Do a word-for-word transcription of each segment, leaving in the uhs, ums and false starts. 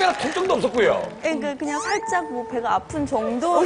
전혀 통증도 없었고요. 그러니까 그냥 살짝 뭐 배가 아픈 정도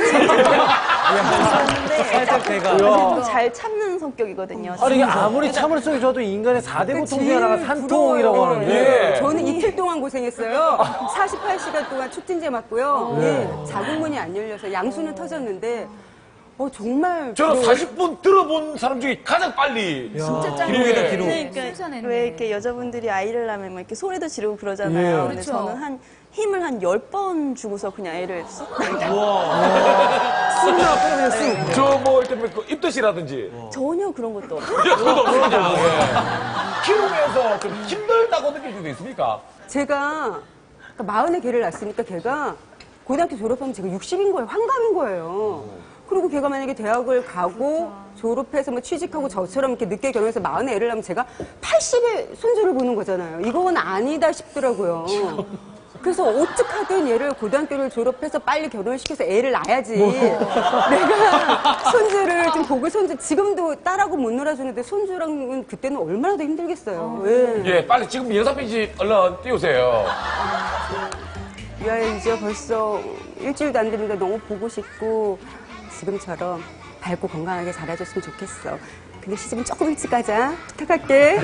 있었는데 살짝 배가. 좀 잘 참는 성격이거든요. 아니, 이게 아무리 참을성이 좋아도 인간의 사 대 고통 중에 하나가 산통이라고 하는데. 예. 저는 이틀 동안 고생했어요. 사십팔 시간 동안 촉진제 맞고요. 예, 자궁문이 안 열려서 양수는 터졌는데 어, 정말 저는 부러워요. 사십 분 들어본 사람 중에 가장 빨리. 진짜 짱. 기록이다, 기록. 그러니까 순산했네. 왜 이렇게 여자분들이 아이를 낳으면 막 이렇게 소리도 지르고 그러잖아요. 예. 근데 그렇죠. 저는 한 힘을 한 열 번 주고서 그냥 애를 쑥 쑥이나 그냥 쑥. 저 뭐 이렇게 그 입덧이라든지 전혀 그런 것도 없어요. 그것도 없거든요. 예. 키우면서 좀 힘들다고 느낄 때도 있습니까? 제가 그러니까 마흔에 걔를 낳았으니까 걔가 고등학교 졸업하면 제가 육십인 거예요. 환갑인 거예요. 그리고 걔가 만약에 대학을 가고 졸업해서 뭐 취직하고 저처럼 이렇게 늦게 결혼해서 마흔에 애를 낳으면 제가 팔십에 손주를 보는 거잖아요. 이건 아니다 싶더라고요. 그래서 어떡하든 얘를 고등학교를 졸업해서 빨리 결혼을 시켜서 애를 낳아야지. 내가 손주를 좀 보고 손주, 지금도 딸하고 못 놀아주는데 손주랑은 그때는 얼마나 더 힘들겠어요. 예. 예, 빨리 지금 영상 편지 얼른 띄우세요. 유아야 이제 벌써 일주일도 안 됐는데 너무 보고 싶고 지금처럼 밝고 건강하게 자라줬으면 좋겠어. 근데 시집은 조금 일찍 가자. 부탁할게.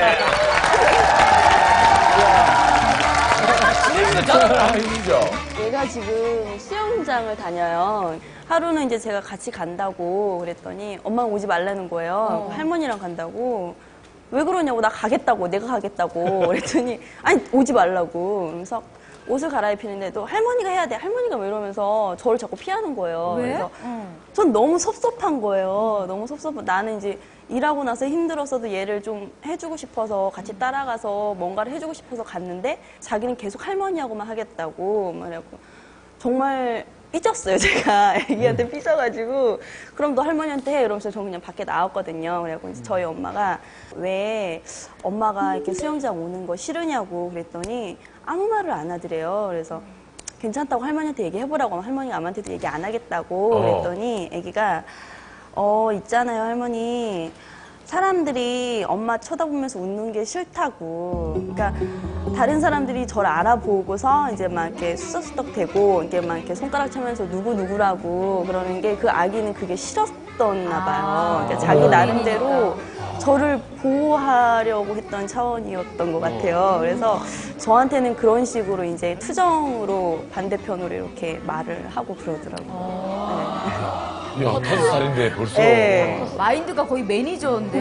지금도 자랑하는 힘이죠. 얘가 지금 수영장을 다녀요. 하루는 이제 제가 같이 간다고 그랬더니 엄마는 오지 말라는 거예요. 할머니랑 간다고. 왜 그러냐고, 나 가겠다고, 내가 가겠다고 그랬더니 아니 오지 말라고. 그래서 옷을 갈아입히는데도 할머니가 해야 돼. 할머니가 왜 이러면서 저를 자꾸 피하는 거예요. 왜? 그래서 전 너무 섭섭한 거예요. 너무 섭섭한. 나는 이제 일하고 나서 힘들었어도 얘를 좀 해주고 싶어서 같이 따라가서 뭔가를 해주고 싶어서 갔는데 자기는 계속 할머니하고만 하겠다고 말하고 정말 삐졌어요. 제가 애기한테 삐져가지고 그럼 너 할머니한테 해 이러면서 저는 그냥 밖에 나왔거든요. 그래갖고 이제 저희 엄마가 왜 엄마가 이렇게 수영장 오는 거 싫으냐고 그랬더니 아무 말을 안 하더래요. 그래서 괜찮다고 할머니한테 얘기해보라고 하면 할머니가 아무한테도 얘기 안 하겠다고 어. 그랬더니 애기가 어 있잖아요 할머니 사람들이 엄마 쳐다보면서 웃는 게 싫다고. 그러니까 다른 사람들이 저를 알아보고서 이제 막 이렇게 수석수덕 대고 이렇게 막 이렇게 손가락 차면서 누구 누구라고 그러는 게 그 아기는 그게 싫었었나 봐요. 그러니까 자기 나름대로 저를 보호하려고 했던 차원이었던 것 같아요. 그래서 저한테는 그런 식으로 이제 투정으로 반대편으로 이렇게 말을 하고 그러더라고요. 야, 다섯 살인데 벌써. 네. 마인드가 거의 매니저인데.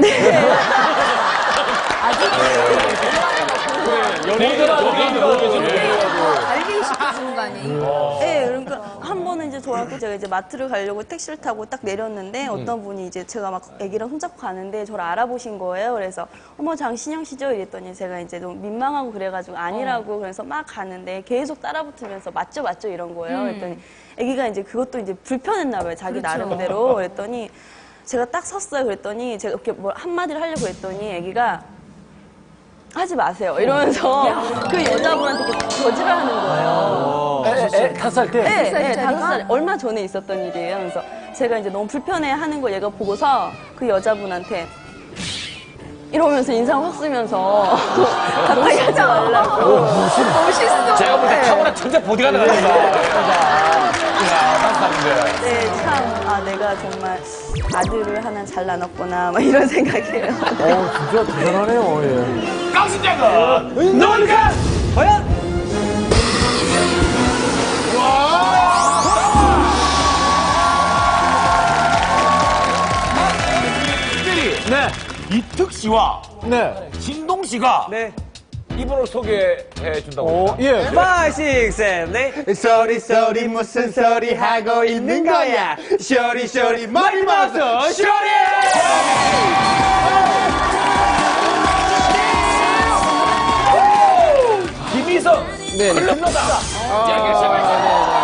아직 달리기 시켜주는 거 아니에요? 네, 그러니까 한 번은 이제 저하고 제가 이제 마트를 가려고 택시를 타고 딱 내렸는데 어떤 분이 이제 제가 막 애기랑 손잡고 가는데 저를 알아보신 거예요. 그래서 어머 장신영 씨죠? 이랬더니 제가 이제 너무 민망하고 그래가지고 아니라고 그래서 막 가는데 계속 따라붙으면서 맞죠 맞죠 이런 거예요. 그랬더니 애기가 이제 그것도 이제 불편했나 봐요. 자기 그렇죠. 나름대로. 그랬더니 제가 딱 섰어요. 그랬더니 제가 이렇게 뭘 한마디를 하려고 했더니 애기가 하지 마세요. 이러면서 그 여자분한테 이렇게 거짓을 하는 거예요. 에, 에, 다섯 살 때? 네, 네, 살짜리가? 다섯 살 얼마 전에 있었던 일이에요. 그래서 제가 이제 너무 불편해 하는 거 얘가 보고서 그 여자분한테 이러면서 인상 확 쓰면서 가까이 하지 말라고. 멋있어. 제가 볼 때 타고난 천재 보디가드 같습니다. 야, 다섯 살인데. 네, 참, 아, 내가 정말 아들을 하나 잘 낳았구나, 막 이런 생각이에요. 어, 진짜 대단하네요, 예. 깡신장은 누굴까? 과연? 네. 이특 씨와 네. 신동 씨가 네. 이분을 소개해 준다고. 어, 예. five, six, seven, eight. 소리 소리 무슨 소리 하고 있는 거야? 쇼리 쇼리 머리 맞서 쇼리! 김희성 클럽다. 이야기를 시작할게요.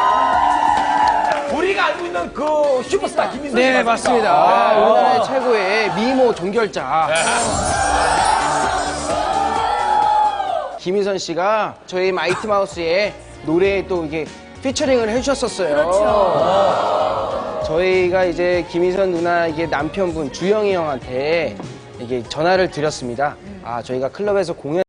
우리가 알고 있는 그 슈퍼스타 김희성 씨 네, 맞습니다. 아, 아, 우리나라의 최고의 미모 종결자. 김희선 씨가 저희 마이티 마우스의 노래에 또 이게 피처링을 해주셨었어요. 그렇죠. 저희가 이제 김희선 누나 이게 남편분 주영이 형한테 이게 전화를 드렸습니다. 아, 저희가 클럽에서 공연